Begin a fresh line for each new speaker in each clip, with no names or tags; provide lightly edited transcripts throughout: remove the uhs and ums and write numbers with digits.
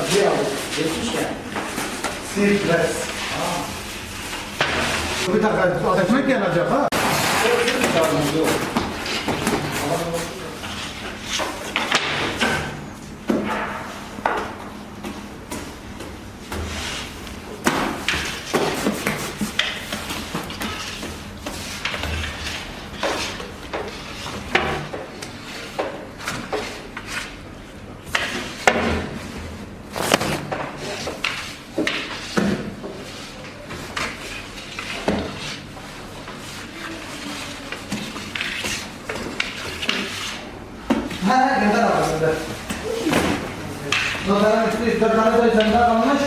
Acı aldık. Geçmiş yani.
Sirkles. Bir dakika, ekmek yanacak ha. Ha, gönder abi, gönder. Noterin üstü 4 tane de üzerinde kalmış.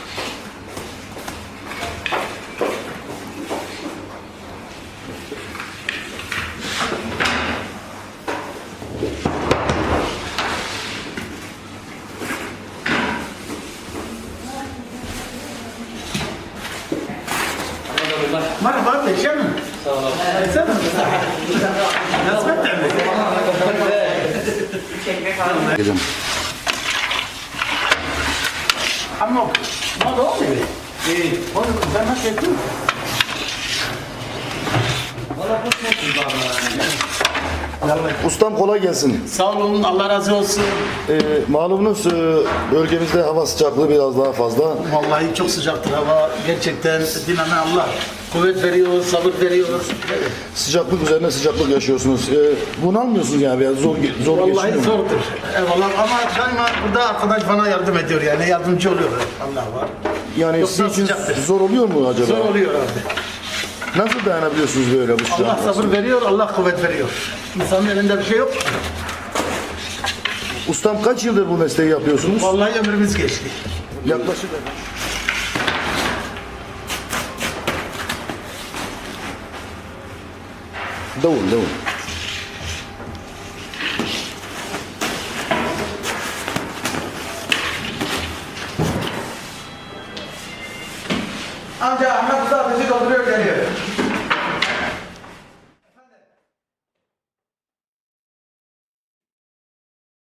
Merhaba abi, şey mi?
Sağ olun.
Sen mi? Nasıl ettin?
Gelin.
Ama ne oldu oğlum? İyi. Oğlum sen nasıl ettin?
Valla bu çok iyi bana.
Ustam kolay gelsin.
Sağ olun, Allah razı olsun.
Malumunuz bölgemizde hava sıcaklığı biraz daha fazla.
Vallahi çok sıcaktır hava. Gerçekten diname Allah. Kuvvet veriyor, sabır veriyor.
Sıcaklık üzerine sıcaklık yaşıyorsunuz. Bunalmıyorsunuz yani biraz zor
Vallahi
geçiyor mu?
zordur. Eyvallah ama daima burada arkadaş bana yardım ediyor yani yardımcı oluyor. Allah var.
Yani
Yoksa
sizin için
sıcaktır.
zor oluyor mu acaba?
Zor oluyor abi.
Nasıl dayanabiliyorsunuz böyle bu
Allah
sıcaklığa?
sabır veriyor, Allah kuvvet veriyor. İnsanın elinde bir şey yok.
Ustam kaç yıldır bu mesleği yapıyorsunuz?
Vallahi ömrümüz geçti.
Yaklaşık. Davul.
Amca Ahmet Usta ateşi dolduruyor.